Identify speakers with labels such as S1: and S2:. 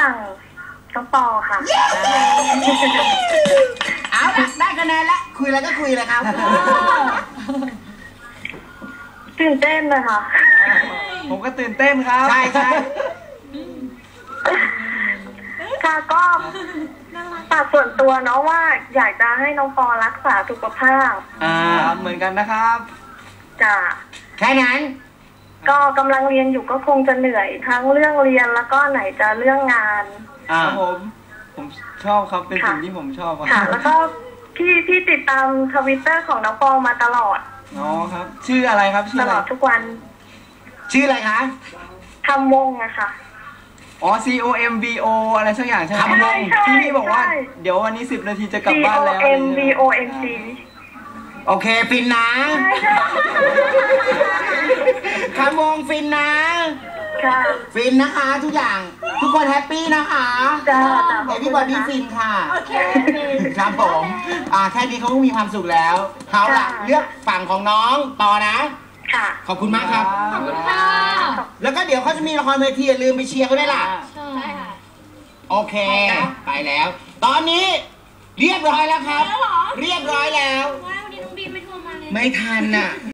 S1: ฝั่งน้องปอค่ะ
S2: เอาละได้คะแนนแล้วคุยอะไรก็คุยเลยครับ
S1: ตื่นเต้นเลยค่ะ
S3: ผมก็ตื่นเต้นครับ
S2: ใช่
S1: ค่ะก็ฝากส่วนตัวเนาะว่าอยากจะให้น้องปอรักษาสุขภาพ
S3: เหมือนกันนะครับ
S1: จ้ะ
S2: แค่นั้น
S1: ก็กำลังเรียนอยู่ก็คงจะเหนื่อยทั้งเรื่องเรียนแล้วก็ไหนจะเรื่องงาน
S3: ครับผมชอบครับเป็นสิ่งที่ผมชอบ
S1: ค่ะแล้วก็พี่ติดตามTwitterของน้องปอมาตลอด
S3: อ๋อครับชื่ออะไรครับ
S1: ตลอดทุกวัน
S2: ชื่ออะไรคะ
S1: ทำวงอะค่ะ
S3: อ๋อ COMBO อะไรสักอย่างใช่ไหม
S2: ทำวง
S3: ที่พี่บอกว่าเดี๋ยววันนี้10 นาทีจะกลับบ้านแล้ว
S1: COMBONC
S2: โอเคฟินนะคำวงฟินนะฟินนะคะทุกอย่างทุกคนแฮปปี้นะคะพี่บอดี้ฟินค่ะโอเคครับผมแค่นี้เขาก็มีความสุขแล้วเขาล่ะเลือกฝั่งของน้องปอนะขอบคุณมากครับ
S4: ขอบคุณค่ะ
S2: แล้วก็เดี๋ยวเขาจะมีละครเวทีอย่าลืมไปเชียร์เขาด้วยล่ะ
S4: ใช่ค่ะ
S2: โอเคไปแล้วตอนนี้เรียบร้อยแล้วครับเรียบร้อยแล้ว
S4: วันนี้น้องบีไม่โทรมาเลย
S2: ไม่ทันน่ะ